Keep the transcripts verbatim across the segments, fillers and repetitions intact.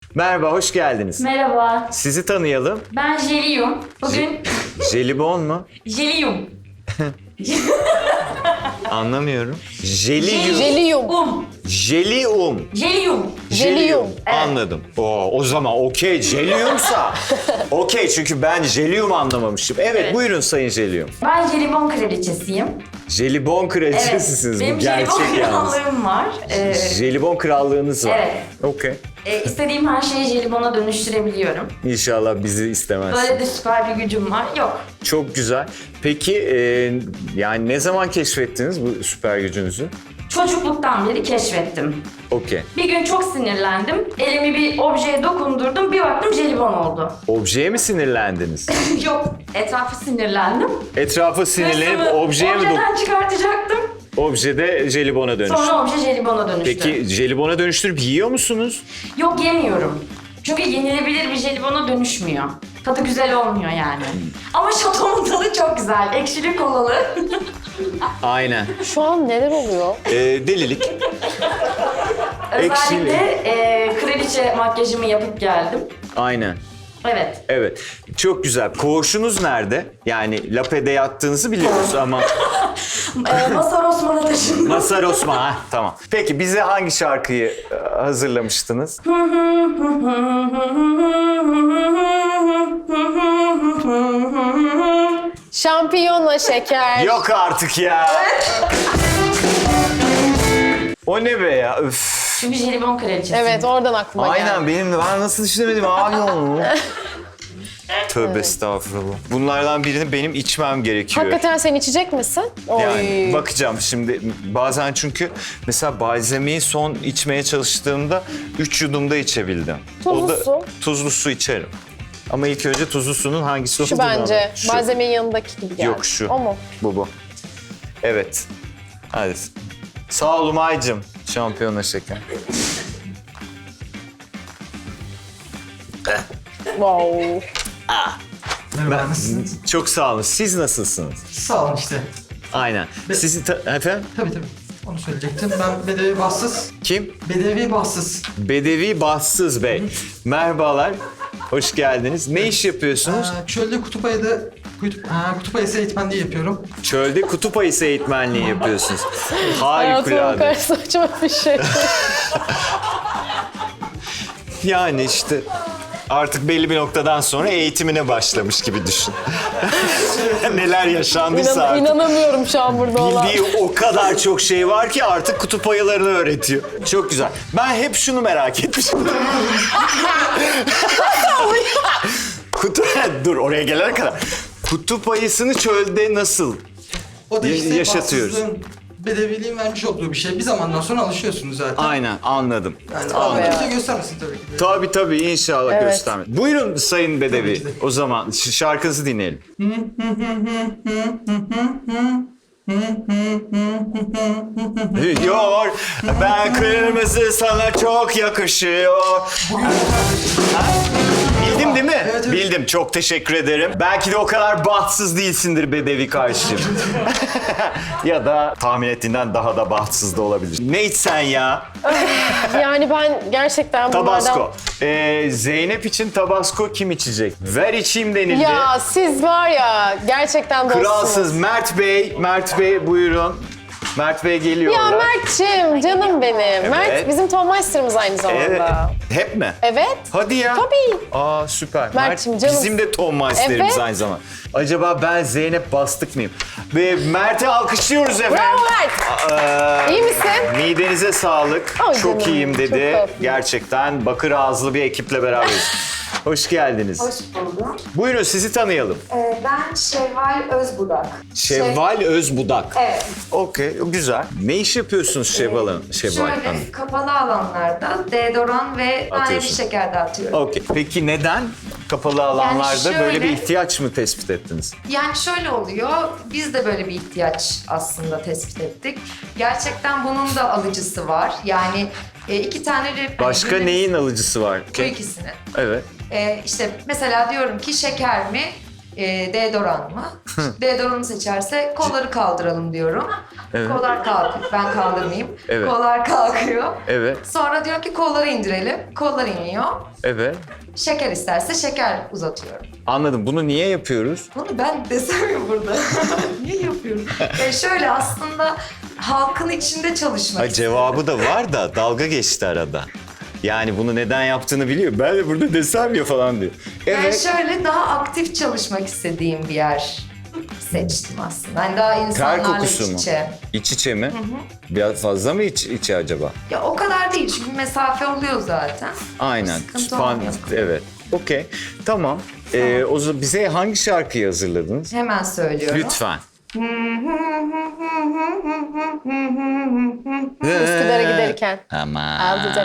Merhaba, hoş geldiniz. Merhaba, Sizi tanıyalım. ben Jeliyum. Bugün Jelibon mu? Jeliyum. Anlamıyorum. Jeliyum. Jeliyum. Um. Jelium. Jeliyum. Jeliyum. Anladım. Oo, o zaman okey. Jeliyumsa. Okey, çünkü ben jeliyum anlamamışım. Evet, Evet. buyurun Sayın Jeliyum. Ben jelibon kraliçesiyim. Jelibon kraliçesisiniz. Benim Bu gerçek jelibon yalnız. krallığım var. Ee, Jelibon krallığınız var. Evet. Okey. e, istediğim her şeyi jelibona dönüştürebiliyorum. İnşallah bizi istemezsin. Böyle de süper bir gücüm var. Yok. Çok güzel. Peki e, yani ne zaman keşfettiniz bu süper gücünüzü? Çocukluktan beri keşfettim. Okey. Bir gün çok sinirlendim. Elimi bir objeye dokundurdum. Bir baktım jelibon oldu. Objeye mi sinirlendiniz? Yok. Etrafı sinirlendim. Etrafa sinirlenip Hırsımı objeye mi dok- objeden çıkartacaktım. Objede jelibona dönüştü. Sonra obje jelibona dönüştü. Peki jelibona dönüştürüp yiyor musunuz? Yok, yemiyorum. Çünkü yenilebilir bir jelibona dönüşmüyor. Tadı güzel olmuyor yani. Ama şatomun tadı çok güzel. Ekşili kolalı. Aynen. Şu an neler oluyor? Ee, delilik. Özellikle e, kraliçe makyajımı yapıp geldim. Aynen. Evet. Evet. Çok güzel. Koğuşunuz nerede? Yani Lape'de yattığınızı biliyoruz ama E, Masar Osman'a taşındım. Mazhar Osman. Ha, tamam. Peki bize hangi şarkıyı e, hazırlamıştınız? Şampiyona şeker. Yok artık ya. O ne be ya? Üf. Çünkü jelibon kraliçesi. Evet, oradan aklıma geldi. Aynen benim de. Ben nasıl düşünemedim abi onu? Tövbe estağfurullah. Bunlardan birini benim içmem gerekiyor. Hakikaten sen içecek misin? Oy. Yani bakacağım şimdi. Bazen çünkü mesela balzamiyi son içmeye çalıştığımda üç yudumda içebildim. Tuzlu O da, su. Tuzlu su içerim. Ama ilk önce tuzlu sunun hangisi Şu olduğunu bence. anlat. Şu. Malzemenin yanındaki gibi geldi. Yok şu. O mu? Bu bu. Evet. Hadi. Sağ ol Umay'cığım. Şampiyona şeker. Wow. Merhaba, nasılsınız? Çok sağ olun. Siz nasılsınız? Sağ olun işte. Aynen. Sizi ta- efendim? Tabii tabii. Onu söyleyecektim. Ben Bedevi Bahtsız. Kim? Bedevi Bahtsız. Bedevi Bahtsız Bey. Merhabalar. Hoş geldiniz. Ne iş yapıyorsunuz? Ee, çölde kutup ayıda kutup, ha, kutup ayısı eğitmenliği yapıyorum. Çölde kutup ayısı eğitmenliği yapıyorsunuz. Hayatımın Harikulade. karşı saçma bir şey. Yani işte artık belli bir noktadan sonra eğitimine başlamış gibi düşün. Neler yaşandıysa İnan, artık. inanamıyorum şu an burada olan. Bildiği o kadar çok şey var ki artık kutup ayılarını öğretiyor. Çok güzel. Ben hep şunu merak etmişim. Kutu... Dur oraya gelene kadar. Kutup ayısını çölde nasıl? O da Ya- işte yaşatıyoruz. bahtsızlığın, bedeviliğin vermiş olduğu bir şey. Bir zamandan sonra alışıyorsunuz zaten. Aynen anladım. Yani Anladım. Allah kimse göstermesin tabii ki de. Tabii tabii inşallah Evet. gösterme. Buyurun Sayın Bedevi. Tabii ki de. O zaman ş- şarkınızı dinleyelim. Diyor ben kırmızı sana çok yakışıyor. Ha? Bildim değil mi? Evet, evet. Bildim. Çok teşekkür ederim. Belki de o kadar bahtsız değilsindir Bedevi kardeşim. Ya da tahmin ettiğinden daha da bahtsız da olabilir. Ne içsen ya? Yani ben gerçekten bunlardan... Tabasco. Ee, Zeynep için Tabasco kim içecek? Ver içeyim denildi. Ya siz var ya gerçekten dostsunuz. Kralsız Mert Bey, Mert Bey buyurun. Mert Bey geliyorlar. Ya Mert'ciğim canım benim. Mert bizim Tommeister'ımız aynı zamanda. Evet. Evet. Hep mi? Evet. Hadi ya. Tabii. Aa süper. Mert'cim, Mert, canım. bizim de Tom Meister'imiz Evet. aynı zamanda. Acaba ben Zeynep Bastık mıyım? Ve Mert'i alkışlıyoruz efendim. Bravo Mert. Ee, İyi misin? Midenize sağlık. Ay çok canım, iyiyim dedi. çok tatlı. Gerçekten bakır ağızlı bir ekiple beraberiz. Hoş geldiniz. Hoş buldum. Buyurun sizi tanıyalım. Ee, ben Şevval Özbudak. Şevval Özbudak. Evet. Okey, güzel. Ne iş yapıyorsunuz Şevval Hanım? Şevval Hanım. Şöyle kapalı alanlarda deodoran ve naneli Atıyorsun. şeker dağıtıyorum. Okey. Peki neden kapalı alanlarda şöyle- böyle bir ihtiyaç mı tespit ettiniz? Yani şöyle oluyor, biz de böyle bir ihtiyaç aslında tespit ettik. Gerçekten bunun da alıcısı var. Yani e, iki tane... re- Başka hani neyin alıcısı var? Bu Okey. ikisini. Evet. E, işte mesela diyorum ki şeker mi, e, deodoran mı? Deodoranı seçerse kolları kaldıralım diyorum. Evet. Kollar kalkıyor. Ben kaldırmayayım. Evet. Kollar kalkıyor. Evet, Sonra diyor ki kolları indirelim. Kollar iniyor. evet. Şeker isterse şeker uzatıyorum. Anladım. Bunu niye yapıyoruz? Bunu ben desem ya burada. Niye yapıyorum? E şöyle aslında halkın içinde çalışmak Ha, cevabı da var da dalga geçti arada. Yani bunu neden yaptığını biliyor. Ben de burada desem ya falan diyor. Yani Evet. şöyle daha aktif çalışmak istediğim bir yer seçtim aslında. Yani daha Ter insanlarla kokusu iç mu? içe. İç içe mi? Biraz fazla mı iç içe acaba? Ya o kadar değil çünkü mesafe oluyor zaten. Aynen. Sıkıntı Span- olmuyor. evet. Okey. Tamam. Ee, o zaman bize hangi şarkıyı hazırladınız? Hemen söylüyorum. Lütfen. Üsküdar'a giderken. Aman. Aldıcak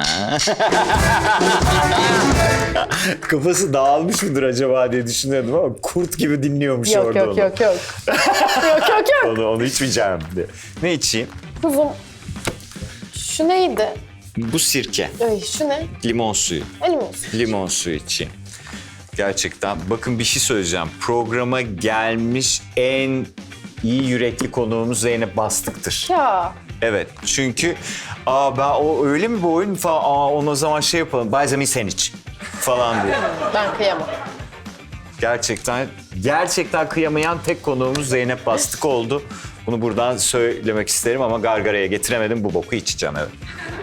Kafası dağılmış mıdır acaba diye düşünüyordum ama kurt gibi dinliyormuş Yok orada yok onu. yok yok. Yok yok yok. Onu, onu içmeyeceğim diye. Ne içeyim? Kuzum. Şu neydi? Bu sirke. Ay şu ne? Limon suyu. Elim olsun. Limon suyu içeyim. Gerçekten. Bakın bir şey söyleyeceğim. Programa gelmiş en iyi yürekli konuğumuz Zeynep Bastık'tır. Ya. Evet. Çünkü aa ben o öyle mi bu oyun falan, aa onu o zaman şey yapalım. Bayzami sen iç falan diye. Ben kıyamam. Gerçekten gerçekten kıyamayan tek konuğumuz Zeynep Bastık oldu. Bunu buradan söylemek isterim ama gargaraya getiremedim. Bu boku içeceğim, evet.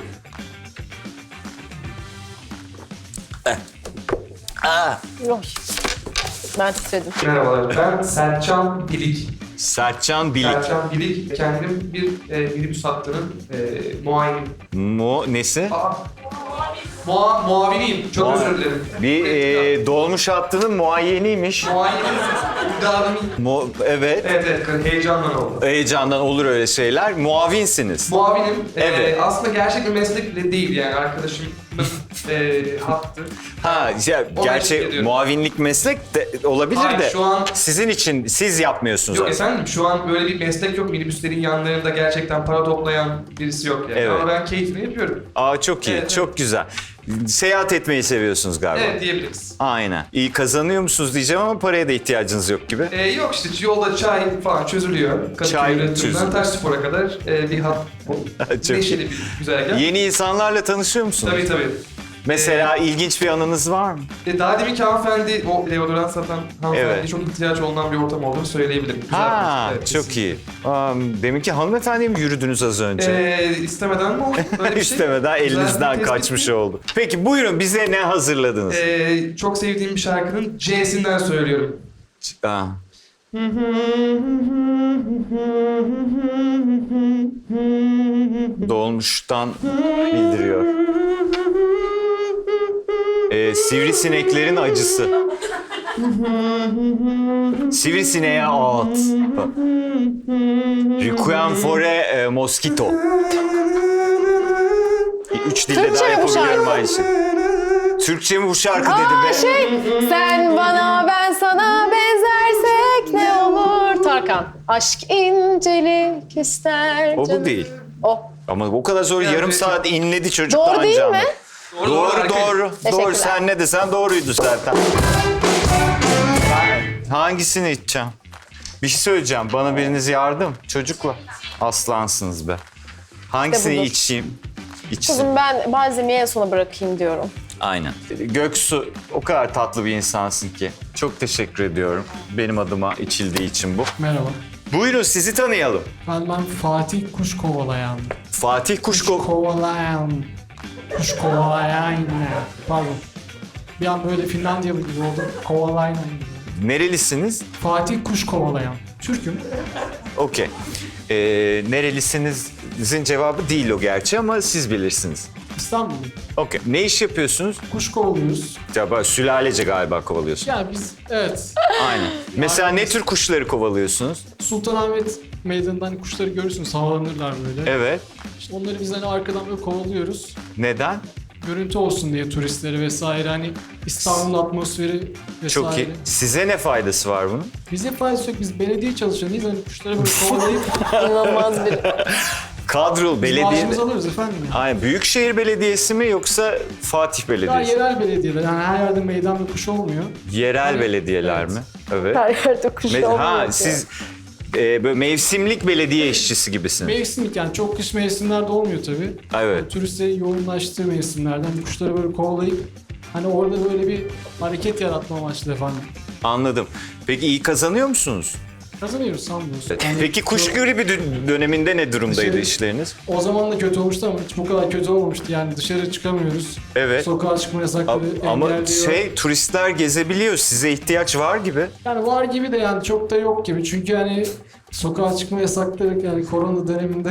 Eh. Ah. Yok. Ben titredim. Merhabalar, ben Sertcan Bilik. Sertcan Bilik. Sertcan Bilik, kendim bir e, minibüs hattının e, muayeni. Mu nesi? Aa, mua, muaviniyim, çok Muavi- özür dilerim. Bir e, dolmuş hattının muayeniymiş. Muayenim, müdavimi. Mu, evet. Evet, evet, heyecandan oldu. Heyecandan olur öyle şeyler. Muavinsiniz. Muavinim, e, Evet. aslında gerçek bir meslek bile değil yani arkadaşımın e, hattı. Ha, ya, Onu gerçi ediyorum. muavinlik meslek de olabilir Hayır, de şu an- sizin için siz yapmıyorsunuz. Yok aslında. efendim, şu an böyle bir meslek yok. Minibüslerin yanlarında gerçekten para toplayan birisi yok yani. Evet. Ama ben keyfini yapıyorum. Aa çok iyi, Evet, çok güzel. Seyahat etmeyi seviyorsunuz galiba. Evet diyebiliriz. Aynen. İyi kazanıyor musunuz diyeceğim ama paraya da ihtiyacınız yok gibi. Ee, yok işte yolda çay falan çözülüyor. Kadıköy Çay üretiminden çözülüyor. Taşspor'a kadar e, bir hat. Çok Neşeli bir güzergah. Yeni insanlarla tanışıyor musunuz? Tabii tabii. Mesela ilginç bir anınız var mı? E, daha deminki hanımefendi, o deodorant satan hanımefendi Evet. çok ihtiyaç olunan bir ortam olduğunu söyleyebilirim. Güzel Ha, bir- evet, çok kesinlikle. iyi. Um, deminki hanımefendiye mi yürüdünüz az önce? Ee, istemeden mi oldu? Böyle bir şey? İstemeden Güzel bir elinizden tespit kaçmış mi? oldu. Peki buyurun bize ne hazırladınız? Ee, çok sevdiğim bir şarkının C'sinden söylüyorum. Aa. Dolmuştan bildiriyor. Ee, sivrisineklerin acısı. Sivrisineğe ağıt. Requiem for a e, mosquito. Üç dilde Türkçe daha mi bu yapabiliyorum şarkı? aynı şey. Türkçe mi bu şarkı dedi Aa be? şey, sen bana ben sana benzersek ne olur? Tarkan. Aşk incelik ister. O bu canım. değil. O. Ama o kadar zor Yani yarım peki. saat inledi çocuk Doğru daha değil önce mi? ama. Doğru, Doğru harika. doğru. Doğru Teşekkürler. sen ne desen doğruydu zaten. Ben hangisini içeceğim? Bir şey söyleyeceğim. Bana biriniz yardım. Çocukla. Aslansınız be. Hangisini budur. içeyim? İçsin. Kızım ben malzemeyi en sona bırakayım diyorum. Aynen. Göksu o kadar tatlı bir insansın ki. Çok teşekkür ediyorum. Benim adıma içildiği için bu. Merhaba. Buyurun sizi tanıyalım. Ben ben Fatih Kuş Kovalayan. Fatih Kuşko. Kovalayan. Kuş Kovalayan. Pardon. Bir an böyle Finlandiyalı gibi oldum. Kovalayan gibi. Nerelisiniz? Fatih Kuş Kovalayan. Türk'üm. Okey. Ee, nerelisinizin cevabı değil o gerçi ama siz bilirsiniz. İstanbul'um. Okey. Ne iş yapıyorsunuz? Kuş kovalıyoruz. Acaba sülalece galiba kovalıyorsunuz. Yani biz evet. Aynen. Mesela ne tür kuşları kovalıyorsunuz? Sultanahmet Meydanı'ndan hani kuşları görürsünüz. Havalanırlar böyle. Evet. İşte onları biz hani arkadan böyle kovalıyoruz. Neden? Görüntü olsun diye turistleri vesaire hani İstanbul atmosferi vesaire. Çok iyi. Size ne faydası var bunun? Bize faydası yok. Biz belediye çalışanıyız. Hani kuşları böyle kovalayıp İnanılmaz bir... Kadrol Biz belediye... maaşımızı alırız efendim. Ya. Aynen. Büyükşehir Belediyesi mi yoksa Fatih Daha Belediyesi? yerel belediyeler. Yani her yerde meydan ve kuş olmuyor. Yerel belediyeler mi? Evet. Her yerde kuş Me- olmuyor. ha ki. siz e, böyle mevsimlik belediye işçisi gibisiniz. Mevsimlik yani çok kış mevsimlerde olmuyor tabii. Evet. Turistlerin yoğunlaştığı mevsimlerden kuşları böyle kovalayıp hani orada böyle bir hareket yaratma amaçlı efendim. Anladım. Peki iyi kazanıyor musunuz? Kazanıyoruz sanmıyoruz. Yani Peki kuş çok- gribi dö- döneminde ne durumdaydı Dışarı- işleriniz? O zaman da kötü olmuştu ama hiç bu kadar kötü olmamıştı. Yani dışarı çıkamıyoruz. Evet. Sokağa çıkma yasakları Ama engelliyor. şey turistler gezebiliyor. Size ihtiyaç var gibi. Yani var gibi de yani çok da yok gibi. Çünkü hani sokağa çıkma yasakları yani korona döneminde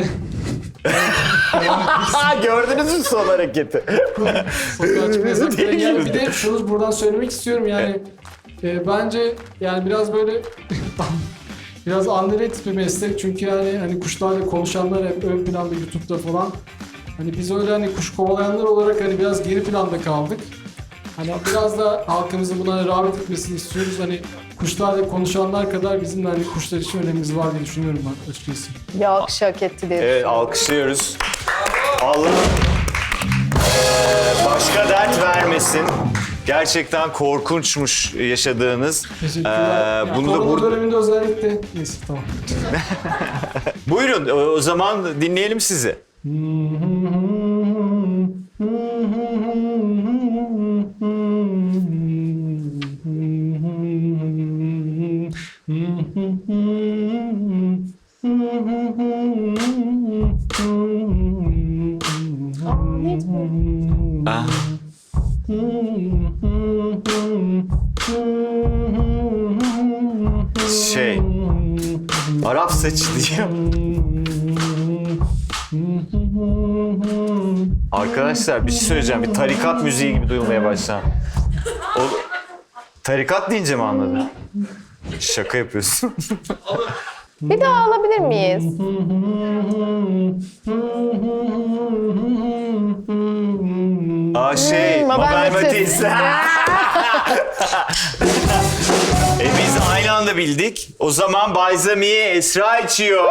Ha gördünüz mü son hareketi? sokağa çıkma yasakları yani bir de şunu buradan söylemek istiyorum yani e, bence yani biraz böyle biraz underrated bir meslek çünkü yani hani kuşlarla konuşanlar hep ön planda YouTube'da falan. Hani biz öyle hani kuş kovalayanlar olarak hani biraz geri planda kaldık. Hani biraz da halkımızın buna rağbet etmesini istiyoruz. Hani kuşlarla konuşanlar kadar bizim de hani kuşlar için önemimiz var diye düşünüyorum ben açıkçası. Bir alkış hak etti diye Evet düşünüyorum. alkışlıyoruz. Allah eee, başka dert vermesin. Gerçekten korkunçmuş yaşadığınız. Teşekkürler. Ee, Ya, bunu da korona burada... döneminde özellikle... Neyse tamam. Buyurun o o zaman dinleyelim sizi. Ah. Şey, Arap saçı diyor. Arkadaşlar bir şey söyleyeceğim. Bir tarikat müziği gibi duyulmaya başladı. O tarikat deyince mi anladın? Şaka yapıyorsun. Bir daha alabilir miyiz? Aa şey, Hmm, Mabel Mabel Matiz. e biz aynı anda bildik. O zaman Bayzamiye Esra içiyor.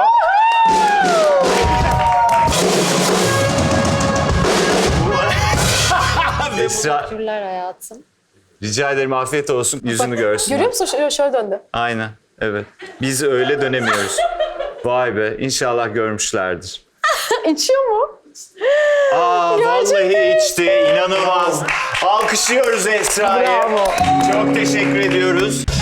Esra, Teşekkürler hayatım. rica ederim afiyet olsun. Yüzünü görsün. Görüyor musun? Şöyle, şöyle döndü. Aynen, evet. Biz öyle dönemiyoruz. Vay be, inşallah görmüşlerdir. İçiyor mu? Aa, vallahi içti, inanılmaz. Alkışlıyoruz Esra'yı. Bravo. Çok teşekkür ediyoruz.